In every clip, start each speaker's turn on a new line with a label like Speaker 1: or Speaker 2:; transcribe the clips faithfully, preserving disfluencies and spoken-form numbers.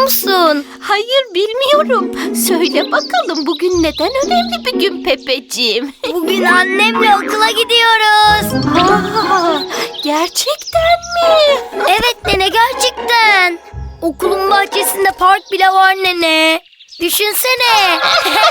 Speaker 1: musun?
Speaker 2: Hayır, bilmiyorum. Söyle bakalım, bugün neden önemli bir gün Pepeciğim?
Speaker 1: Bugün annemle okula gidiyoruz.
Speaker 2: Aa, gerçekten mi?
Speaker 1: Evet nene, gerçekten. Okulun bahçesinde park bile var nene. Düşünsene.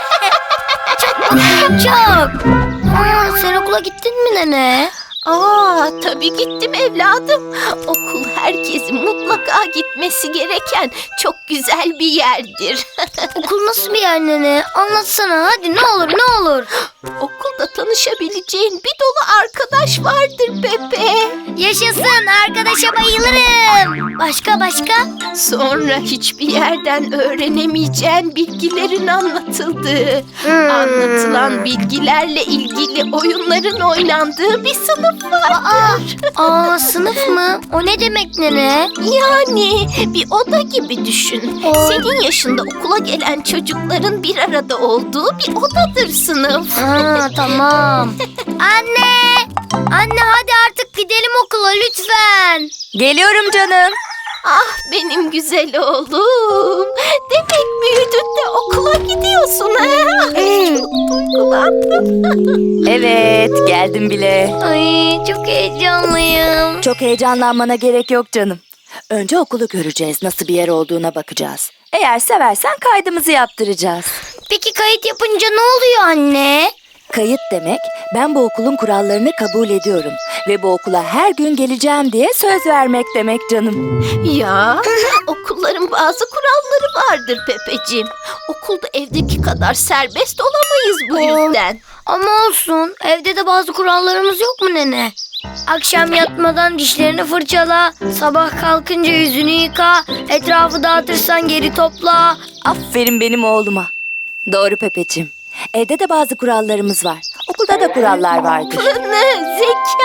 Speaker 1: Çok mutluyum, çok. Aa, sen okula gittin mi nene?
Speaker 2: Aa, tabii gittim evladım. Okul herkesin mutlaka gitmesi gereken çok güzel bir yerdir.
Speaker 1: Okul nasıl bir yer nene? Anlatsana hadi, ne olur ne olur.
Speaker 2: Okulda tanışabileceğin bir dolu arkadaş vardır Pepe.
Speaker 1: Yaşasın, arkadaşa bayılırım. Başka başka?
Speaker 2: Sonra hiçbir yerden öğrenemeyeceğin bilgilerin anlatıldığı,
Speaker 1: Hmm.
Speaker 2: anlatılan bilgilerle ilgili oyunların oynandığı bir sınıf
Speaker 1: Aa,
Speaker 2: vardır.
Speaker 1: aa, sınıf mı? O ne demek nene?
Speaker 2: Yani bir oda gibi düşün.
Speaker 1: Aa.
Speaker 2: Senin yaşında okula gelen çocukların bir arada olduğu bir odadır sınıf.
Speaker 1: Aa, tamam. Anne! Anne hadi artık gidelim okula lütfen.
Speaker 3: Geliyorum canım.
Speaker 2: Ah benim güzel oğlum. Demek büyüdün de okula gidiyorsun ha? Ay, çok duygulandım.
Speaker 3: Evet, geldim bile.
Speaker 1: Ay çok heyecanlıyım.
Speaker 3: Çok heyecanlanmana gerek yok canım. Önce okulu göreceğiz, nasıl bir yer olduğuna bakacağız. Eğer seversen kaydımızı yaptıracağız.
Speaker 1: Peki kayıt yapınca ne oluyor anne?
Speaker 3: Kayıt demek, ben bu okulun kurallarını kabul ediyorum ve bu okula her gün geleceğim diye söz vermek demek canım.
Speaker 2: Ya okulların bazı kuralları vardır Pepeciğim. Okulda evdeki kadar serbest olamayız bu
Speaker 1: Aa.
Speaker 2: yüzden.
Speaker 1: Ama olsun, evde de bazı kurallarımız yok mu nene? Akşam yatmadan dişlerini fırçala, sabah kalkınca yüzünü yıka, etrafı dağıtırsan geri topla.
Speaker 3: Aferin benim oğluma. Doğru Pepeciğim. Evde de bazı kurallarımız var. Okulda da kurallar vardır.
Speaker 2: Zekanı,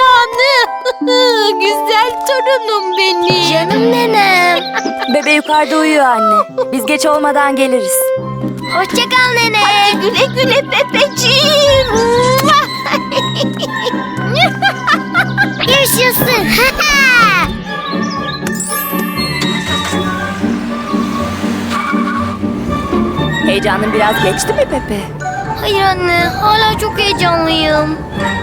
Speaker 2: güzel torunum benim.
Speaker 1: Canım nenem.
Speaker 3: Bebe yukarıda uyuyor anne. Biz geç olmadan geliriz.
Speaker 1: Hoşça kal nene.
Speaker 2: Güle güle Pepeciğim.
Speaker 1: Yaşasın.
Speaker 3: Heyecanın biraz geçti mi Pepe?
Speaker 1: Hayır anne, hala çok heyecanlıyım.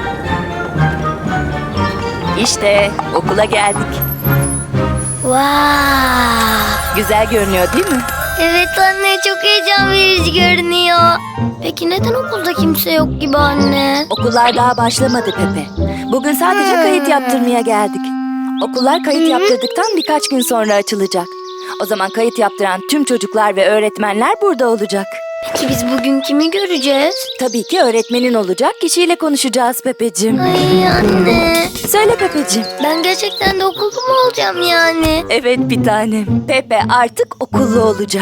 Speaker 3: İşte okula geldik.
Speaker 1: Wow.
Speaker 3: Güzel görünüyor değil mi?
Speaker 1: Evet anne, çok heyecan verici görünüyor. Peki neden okulda kimse yok gibi anne?
Speaker 3: Okullar daha başlamadı Pepe. Bugün sadece kayıt yaptırmaya geldik. Okullar kayıt yaptırdıktan birkaç gün sonra açılacak. O zaman kayıt yaptıran tüm çocuklar ve öğretmenler burada olacak.
Speaker 1: Peki biz bugün kimi göreceğiz?
Speaker 3: Tabii ki öğretmenin olacak kişiyle konuşacağız Pepeciğim.
Speaker 1: Ay anne,
Speaker 3: Söyle Pepeciğim.
Speaker 1: ben gerçekten de okulda mı olacağım yani?
Speaker 3: Evet bir tanem. Pepe artık okullu olacak.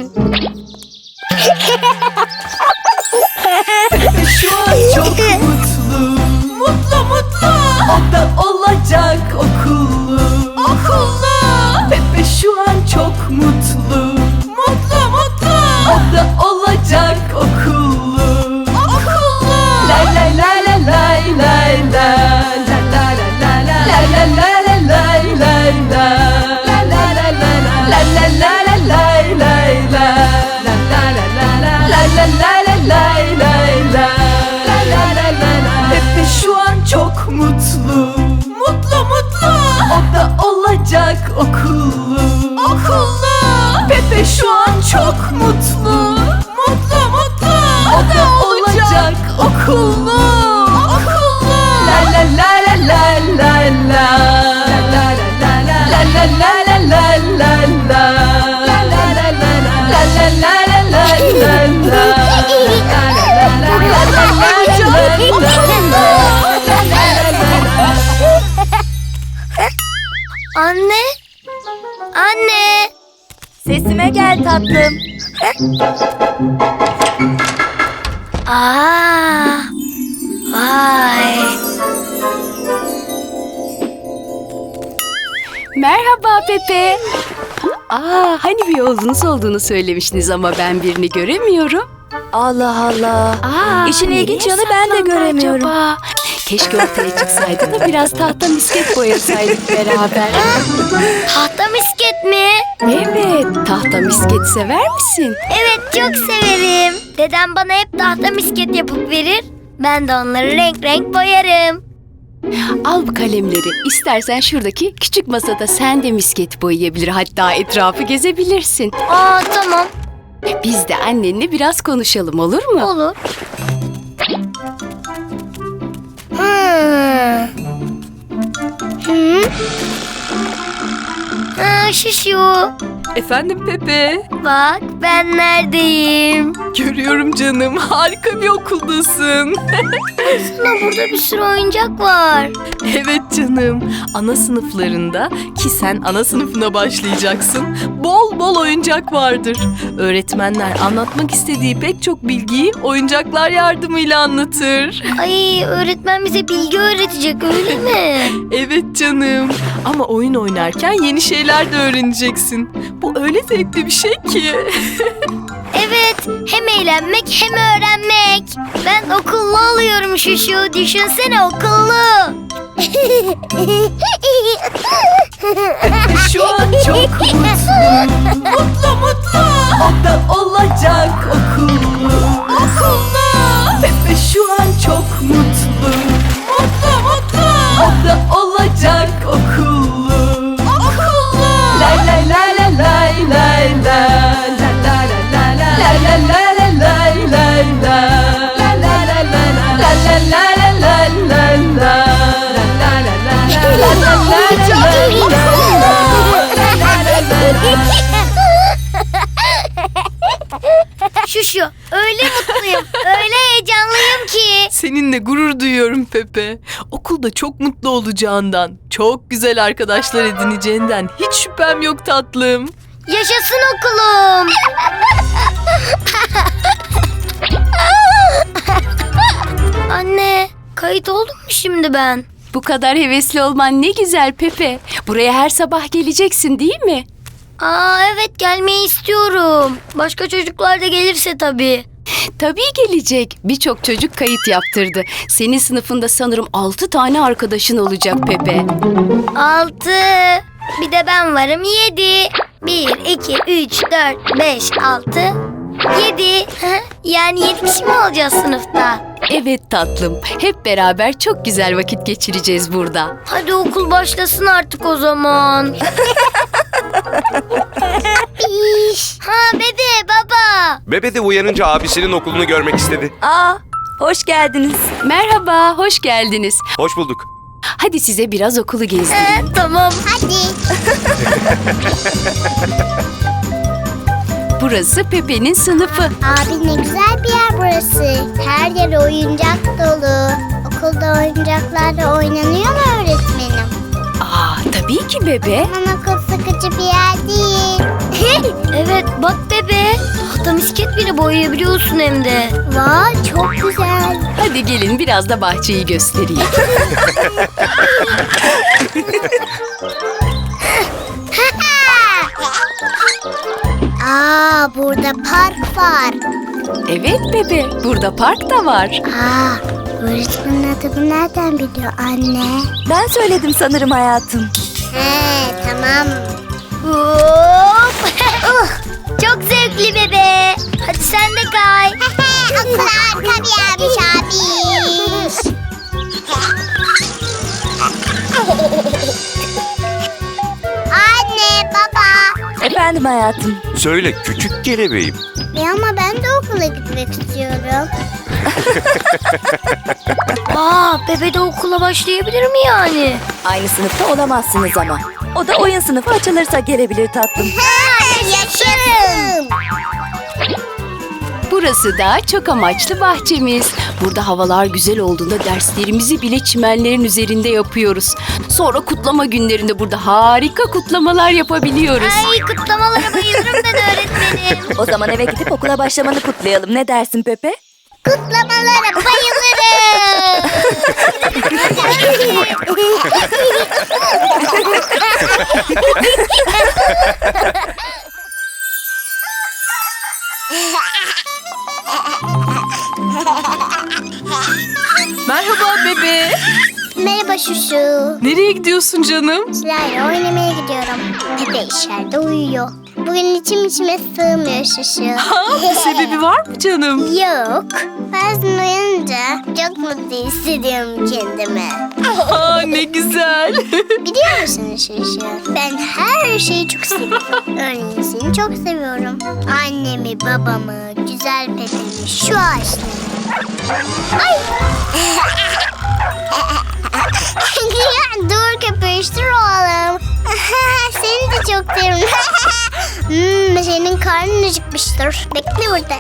Speaker 4: Şu an çok mutlu. Mutlu mutlu. O da olacak okullu. Okullu. Pepe şu an çok mutlu. Mutlu mutlu. O da olacak okullu. Okullu. Lay lay lay lay lay lay lay. La la la la la. La la la la lay lay lay. La la la la la. La la la la lay lay lay. La la la la la. La la la la lay lay lay. La la la la la. Pepe şu an çok mutlu. Mutlu mutlu. O da olacak okullu. Okullu. Pepe şu an çok mutlu. Mutlu mutlu. O da olacak okullu. Okullu. La la la la la la la. La la la la la. La la la la la la la. La la la la la. La la la la la la la.
Speaker 1: Anne, anne.
Speaker 3: Sesime gel tatlım.
Speaker 1: Aa, vay.
Speaker 5: Merhaba Pepe. Aa, hani bir oğlunuz olduğunu söylemiştiniz ama ben birini göremiyorum.
Speaker 3: Allah Allah.
Speaker 5: Aa,
Speaker 3: İşin ilginç
Speaker 5: nereye
Speaker 3: yanı ben de
Speaker 5: saklandı
Speaker 3: göremiyorum.
Speaker 5: acaba? Keşke ortaya çıksaydı da biraz tahta misket boyasaydık beraber.
Speaker 1: Tahta misket mi?
Speaker 5: Evet, tahta misket sever misin?
Speaker 1: Evet, çok severim. Dedem bana hep tahta misket yapıp verir. Ben de onları renk renk boyarım.
Speaker 5: Al bu kalemleri. İstersen şuradaki küçük masada sen de misket boyayabilir. Hatta etrafı gezebilirsin.
Speaker 1: Aa, tamam,
Speaker 5: Biz de annenle biraz konuşalım, olur mu?
Speaker 1: olur. Hmm. Hı? Ha, Şuşu.
Speaker 4: Efendim Pepe.
Speaker 1: Bak, ben neredeyim?
Speaker 4: Görüyorum canım. Harika bir okuldasın.
Speaker 1: Aslında burada bir sürü oyuncak var.
Speaker 4: Evet canım. Ana sınıflarında ki sen ana sınıfına başlayacaksın. Bol bol oyuncak vardır. Öğretmenler anlatmak istediği pek çok bilgiyi oyuncaklar yardımıyla anlatır.
Speaker 1: Ay, öğretmen bize bilgi öğretecek, öyle mi?
Speaker 4: Evet canım. Ama oyun oynarken yeni şeyler de öğreneceksin. Bu öyle zevkli bir şey ki.
Speaker 1: Evet, hem eğlenmek hem öğrenmek. Ben okullu oluyorum Şuşu, düşünsene, okullu.
Speaker 4: Şu an çok mutlu. Mutlu mutlu. O da olacak okullu. Okullu. Pepe şu an çok mutlu. Mutlu mutlu. O da olacak okullu. Okullu. Lay lay lay lay lay lay lay. La la la la la. La la la la lay lay lay. La la la la la. La la la la lay lay lay. La la la la la. La la la la lay.
Speaker 1: Şuşu, öyle mutluyum, öyle heyecanlıyım ki.
Speaker 4: Seninle gurur duyuyorum Pepe. Okulda çok mutlu olacağından, çok güzel arkadaşlar edineceğinden hiç şüphem yok tatlım.
Speaker 1: Yaşasın okulum. Anne, kayıt oldum mu şimdi ben?
Speaker 5: Bu kadar hevesli olman ne güzel Pepe. Buraya her sabah geleceksin değil mi?
Speaker 1: Aa, evet, gelmeyi istiyorum. Başka çocuklar da gelirse tabii.
Speaker 5: Tabii gelecek. Birçok çocuk kayıt yaptırdı. Senin sınıfında sanırım altı tane arkadaşın olacak Pepe.
Speaker 1: Altı. Bir de ben varım, yedi. Bir, iki, üç, dört, beş, altı, yedi. Hı? Yani yedi kişi mi olacağız sınıfta?
Speaker 5: Evet tatlım. Hep beraber çok güzel vakit geçireceğiz burada.
Speaker 1: Hadi okul başlasın artık o zaman. Ha, bebe, baba.
Speaker 6: Bebe de uyanınca abisinin okulunu görmek istedi.
Speaker 3: Aa, hoş geldiniz.
Speaker 5: Merhaba, hoş geldiniz.
Speaker 6: Hoş bulduk.
Speaker 5: Hadi size biraz okulu gezdireyim.
Speaker 1: Ee, tamam. Hadi.
Speaker 5: Burası Pepe'nin sınıfı.
Speaker 7: Abi ne güzel bir yer burası. Her yer oyuncak dolu. Okulda oyuncaklarla oynanıyor mu öğretmenim?
Speaker 5: Aa, tabii ki bebe.
Speaker 7: Aman okul sıkıcı bir yer değil.
Speaker 1: Evet, bak bebe. Tahta misket bile boyayabiliyorsun hem de.
Speaker 7: Vay çok güzel.
Speaker 5: Hadi gelin biraz da bahçeyi göstereyim.
Speaker 7: Aa burada park var.
Speaker 5: Evet bebe, burada park da var.
Speaker 7: Aa öğretmenin adını nereden biliyor anne?
Speaker 3: Ben söyledim sanırım hayatım.
Speaker 7: He tamam.
Speaker 1: Hop. Uh, çok zevkli bebe. Hadi sen de kay.
Speaker 7: Okul harika bir yermiş abi. Anne baba.
Speaker 3: Efendim hayatım.
Speaker 6: Söyle küçük kelebeğim.
Speaker 7: E ama ben de okula gitmek istiyorum.
Speaker 1: Aa, bebe de okula başlayabilir mi yani?
Speaker 3: Aynı sınıfta olamazsınız ama. O da oyun sınıfı açılırsa gelebilir tatlım.
Speaker 7: Yaşarım.
Speaker 5: Burası da çok amaçlı bahçemiz. Burada havalar güzel olduğunda derslerimizi bile çimenlerin üzerinde yapıyoruz. Sonra kutlama günlerinde burada harika kutlamalar yapabiliyoruz.
Speaker 1: Ay, kutlamalara bayılırım ben öğretmenim.
Speaker 3: O zaman eve gidip okula başlamanı kutlayalım. Ne dersin Pepe?
Speaker 7: Kutlamalara bayılırım.
Speaker 4: Merhaba bebe.
Speaker 7: Merhaba Şuşu.
Speaker 4: Nereye gidiyorsun canım?
Speaker 7: Sizlerle oynamaya gidiyorum. Pepe içeride uyuyor. Bugün içim içime sığmıyor Şuşu.
Speaker 4: Ha, bir sebebi var mı canım?
Speaker 7: Yok. Bazen uyanınca çok mutlu hissediyorum kendimi.
Speaker 4: Aa, ne güzel.
Speaker 7: Biliyor musun Şuşu? Ben her şeyi çok seviyorum. Örneğin seni çok seviyorum. Annemi, babamı, güzel Pepe'mi, şu ağaçları. Ay! Dur köpüştür oğlum. Seni de çok seviyorum. hmm, senin karnın acıkmıştır. Bekle burada.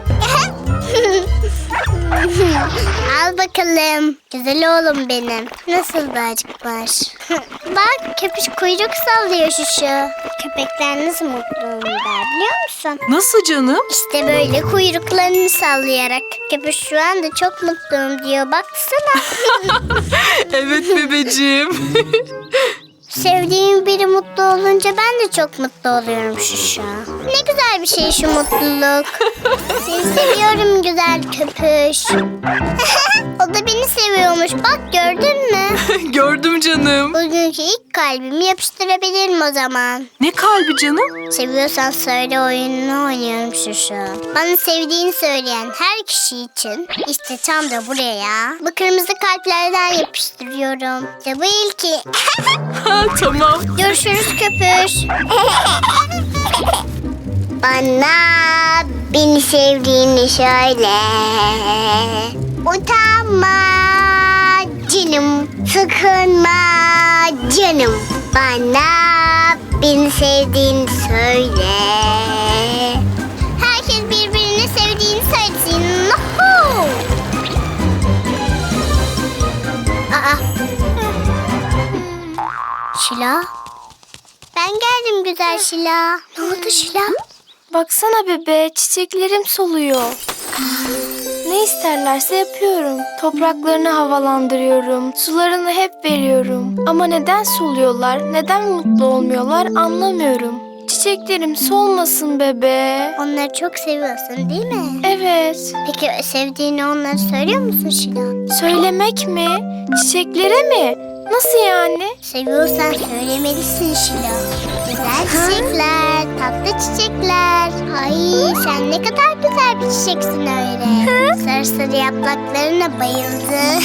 Speaker 7: Al bakalım. Güzel oğlum benim. Nasıl da acıkmış. Bak köpüş kuyruk sallıyor Şuşu. Köpekler nasıl mutlu der biliyor musun?
Speaker 4: Nasıl canım?
Speaker 7: İşte böyle kuyruklarını sallayarak. Köpüş şu anda çok mutluyum diyor. Baksana.
Speaker 4: Evet bebeciğim.
Speaker 7: Sevdiğim biri mutlu olunca ben de çok mutlu oluyorum Şuşa. Ne güzel bir şey şu mutluluk. Seni seviyorum güzel köpüş. O da beni seviyormuş. Bak gördün mü?
Speaker 4: Gördüm canım.
Speaker 7: Bugünkü ilk kalbimi yapıştırabilirim o zaman.
Speaker 4: Ne kalbi canım?
Speaker 7: Seviyorsan söyle oyununu oynuyorum Şuşa. Bana sevdiğini söyleyen her kişi için işte tam da buraya bu kırmızı kalplerden yapıştırıyorum. İşte bu ilki.
Speaker 4: Ha, tamam.
Speaker 7: Görüşürüz köpüş. Bana beni sevdiğini söyle. Utanma canım, sıkılma canım. Bana beni sevdiğini söyle. Herkes birbirini sevdiğini söylesin. Nuhu! Aa. Şila. Ben geldim güzel Şila. Ne oldu Şila?
Speaker 8: Baksana bebe, çiçeklerim soluyor. Ne isterlerse yapıyorum. Topraklarını havalandırıyorum. Sularını hep veriyorum. Ama neden soluyorlar, neden mutlu olmuyorlar anlamıyorum. Çiçeklerim solmasın bebe.
Speaker 7: Onları çok seviyorsun değil mi?
Speaker 8: Evet.
Speaker 7: Peki sevdiğini onlara söylüyor musun Şila?
Speaker 8: Söylemek mi? Çiçeklere mi? Nasıl yani?
Speaker 7: Seviyorsan söylemelisin Şila. Güzel çiçekler, tatlı çiçekler. Ay sen ne kadar güzel bir çiçeksin öyle. Sarı sarı yapraklarına bayıldım.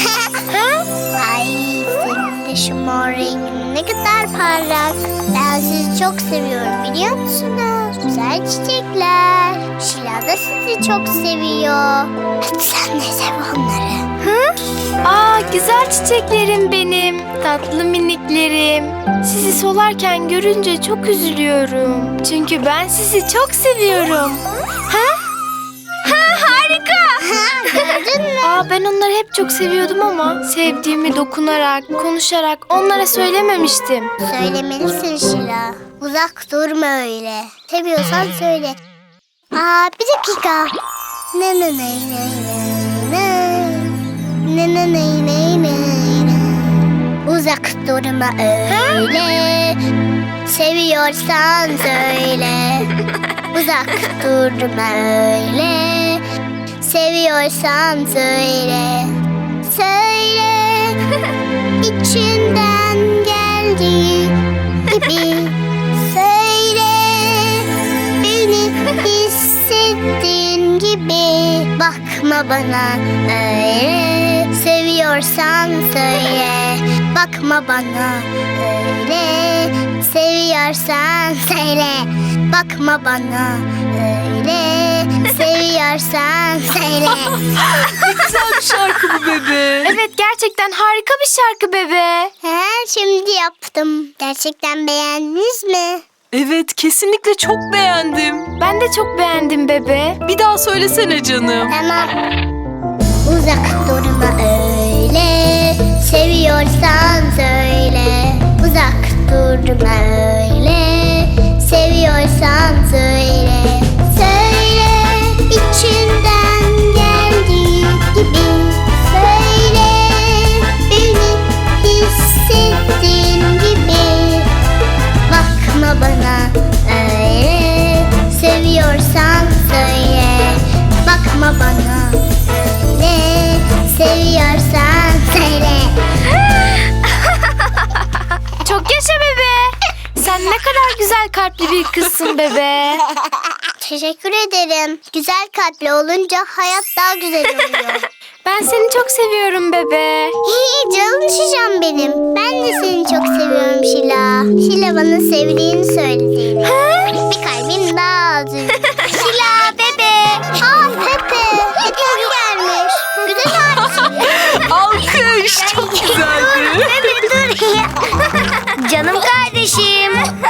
Speaker 7: Ay senin de şu mor rengin ne kadar parlak. Ben sizi çok seviyorum biliyor musunuz? Güzel çiçekler. Şila da sizi çok seviyor. Hadi sen de sev onları.
Speaker 8: Aa, güzel çiçeklerim benim. Tatlı miniklerim. Sizi solarken görünce çok üzülüyorum. Çünkü ben sizi çok seviyorum. Ha? Ha, harika.
Speaker 7: Gördün mü?
Speaker 8: Aa, ben onları hep çok seviyordum ama sevdiğimi dokunarak, konuşarak onlara söylememiştim.
Speaker 7: Söylemelisin Şila. Uzak durma öyle. Seviyorsan söyle. Aa bir dakika. Ne ne ne ne ne ne ne ne ne ne ne. Uzak durma öyle. Seviyorsan söyle. Uzak durma öyle. Seviyorsan söyle. Söyle. İçinden geldiği gibi söyle. Beni hissettiğin gibi bakma bana öyle. Seviyorsan söyle. Bakma bana öyle. Seviyorsan söyle. Bakma bana öyle. Seviyorsan söyle.
Speaker 4: Güzel bir şarkı bu bebe.
Speaker 8: Evet, gerçekten harika bir şarkı bebe.
Speaker 7: He, şimdi yaptım. Gerçekten beğendiniz mi?
Speaker 4: Evet, kesinlikle çok beğendim.
Speaker 8: Ben de çok beğendim bebe.
Speaker 4: Bir daha söylesene canım.
Speaker 7: Tamam. Uzak durma öyle. Seviyorsan söyle. Uzak durma öyle. Seviyorsan söyle. Söyle içinden geldiği gibi. Söyle beni hissettiğin gibi. Bakma bana öyle. Seviyorsan söyle. Bakma bana öyle. Seviyorsan söyle.
Speaker 8: güzel kalpli bir kızsın bebe.
Speaker 7: Teşekkür ederim. Güzel kalpli olunca hayat daha güzel oluyor.
Speaker 8: Ben seni çok seviyorum bebe.
Speaker 7: Hii, canım şişem benim. Ben de seni çok seviyorum Şila. Şila bana sevdiğini söylediğini. Bir kalbim daha az üzüldü. Şila bebe. Aa Pepe. Pepe gelmiş. Güzel abisi.
Speaker 4: Alkış. Çok güzeldi.
Speaker 1: Bebe dur. Canım kardeşim.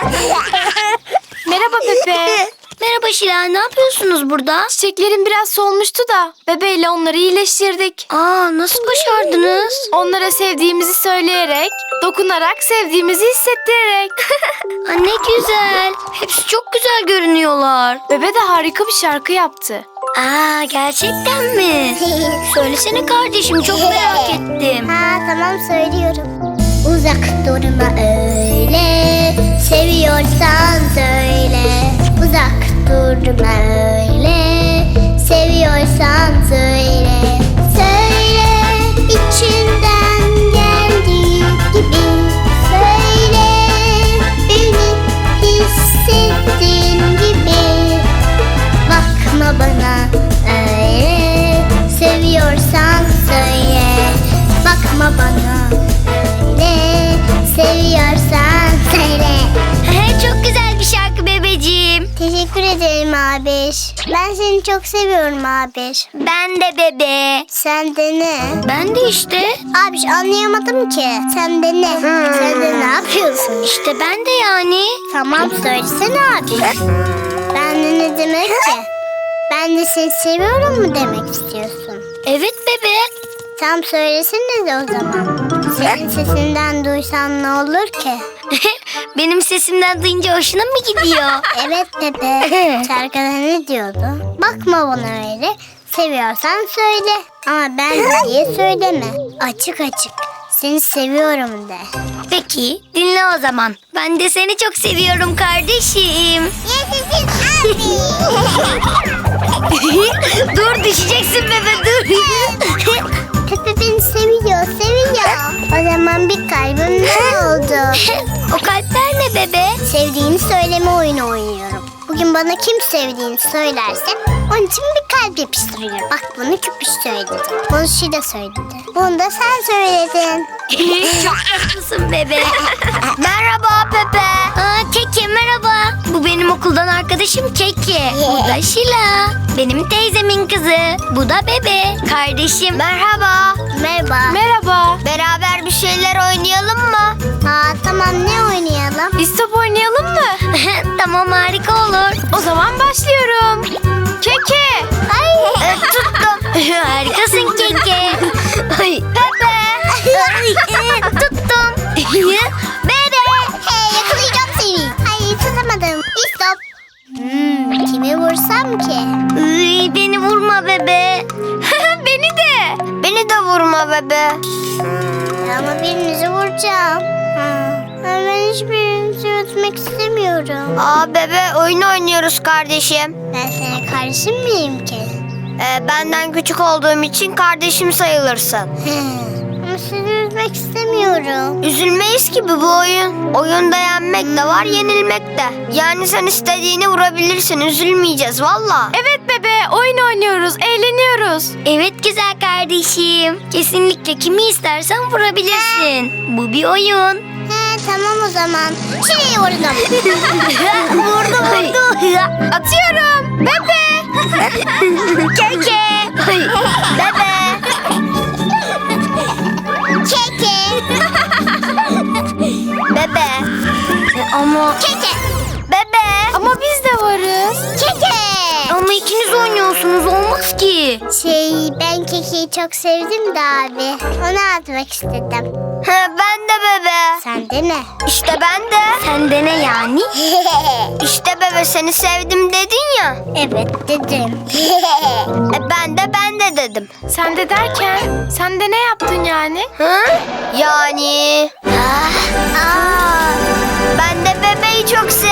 Speaker 8: Merhaba Pepe.
Speaker 1: Merhaba Şila, ne yapıyorsunuz burada?
Speaker 8: Çiçeklerim biraz solmuştu da bebeyle onları iyileştirdik.
Speaker 1: Aa, nasıl başardınız?
Speaker 8: Onlara sevdiğimizi söyleyerek, dokunarak sevdiğimizi hissettirerek.
Speaker 1: Aa, ne güzel. Hepsi çok güzel görünüyorlar.
Speaker 8: Bebe de harika bir şarkı yaptı.
Speaker 1: Aa, gerçekten mi? Söylesene kardeşim, çok merak ettim.
Speaker 7: Ha tamam söylüyorum. Uzak durma öyle. Seviyorsan söyle. Uzak durma öyle. Seviyorsan söyle. Söyle içinden geldiği gibi. Söyle beni hissettiğin gibi. Bakma bana öyle. Seviyorsan söyle. Bakma bana öyle. Seviyorsan söyle.
Speaker 1: Çok güzel bir şarkı bebeciğim.
Speaker 7: Teşekkür ederim abiş. Ben seni çok seviyorum abiş.
Speaker 1: Ben de bebe.
Speaker 7: Sen de ne?
Speaker 1: Ben de işte.
Speaker 7: Abiş anlayamadım ki. Sen de ne? Sen de ne yapıyorsun?
Speaker 1: İşte ben de yani.
Speaker 7: Tamam söylesene abiş. Ben de ne demek ki? Ben de seni seviyorum mu demek istiyorsun?
Speaker 1: Evet bebe.
Speaker 7: Tam söylesene de o zaman. Senin sesinden duysam ne olur ki?
Speaker 1: Benim sesimden duyunca hoşuna mı gidiyor?
Speaker 7: Evet bebe. Şarkıda ne diyordu? Bakma bana öyle. Seviyorsan söyle. Ama ben diye söyleme. Açık açık. Seni seviyorum de.
Speaker 1: Peki dinle o zaman. Ben de seni çok seviyorum kardeşim.
Speaker 7: Yaşasın abi.
Speaker 1: Dur düşeceksin bebe dur.
Speaker 7: Pepe beni seviyor, seviyor. O zaman bir kalbim ne oldu?
Speaker 1: O kalpler ne bebe?
Speaker 7: Sevdiğini söyleme oyunu oynuyorum. Bugün bana kim sevdiğini söylerse onun için bir kalp yapıştırıyorum. Bak bunu Küpüş söyledi. Bunu Şila söyledi. Bunu da sen söyledin.
Speaker 1: Çok tatlısın bebe. Merhaba Pepe. Aa, Keke merhaba. Bu benim okuldan arkadaşım Keke. Bu da Şila. Benim teyzemin kızı. Bu da bebe. Kardeşim. Merhaba.
Speaker 7: Merhaba.
Speaker 8: Merhaba.
Speaker 1: Beraber bir şeyler oynayalım mı?
Speaker 7: Ha tamam ne oynayalım?
Speaker 8: Biz top oynayalım mı?
Speaker 1: Tamam harika olur.
Speaker 8: O zaman başlıyorum. Keke.
Speaker 1: Ay. e, tuttum. Harikasın Keke. Ay. Pepe. Ay, e, tuttum. Bebe.
Speaker 7: Hey yakalayacağım seni. Hayır tutamadım. Stop. Hmm, kimi vursam ki?
Speaker 1: Iy, beni vurma bebe.
Speaker 8: Beni de.
Speaker 1: Beni de vurma bebe.
Speaker 7: Ama birinizi vuracağım. Ha. Ben hiçbirinizi ötmek istemiyorum.
Speaker 1: Aa bebe oyun oynuyoruz kardeşim.
Speaker 7: Ben senin kardeşin miyim ki?
Speaker 1: Ee, benden küçük olduğum için kardeşim sayılırsın.
Speaker 7: Ama sizi üzmek istemiyorum.
Speaker 1: Üzülmeyiz ki bu oyun. Oyunda yenmek de var, yenilmek de. Yani sen istediğini vurabilirsin, üzülmeyeceğiz valla.
Speaker 8: Evet bebe, oyun oynuyoruz, eğleniyoruz.
Speaker 1: Evet güzel kardeşim. Kesinlikle kimi istersen vurabilirsin. Bu bir oyun.
Speaker 7: He tamam o zaman. Şuraya vurdum.
Speaker 1: vurdu vurdu.
Speaker 8: Atıyorum. Bebe.
Speaker 1: Keke. Bebe.
Speaker 7: Keke.
Speaker 1: Bebe. Ama
Speaker 7: Keke.
Speaker 1: bebe.
Speaker 8: Ama biz de varız.
Speaker 7: Keke.
Speaker 1: Ama ikiniz oynuyorsunuz olmaz ki.
Speaker 7: Şey ben Keke'yi çok sevdim de abi. Onu atmak istedim.
Speaker 1: Ben de bebe.
Speaker 7: Sen de ne?
Speaker 1: İşte ben de. Sen de ne yani? İşte bebe seni sevdim dedin ya.
Speaker 7: Evet dedim.
Speaker 1: E ben de ben de dedim.
Speaker 8: Sen de derken, sen de ne yaptın yani?
Speaker 1: Hı? Yani. Aa, ben de bebeği çok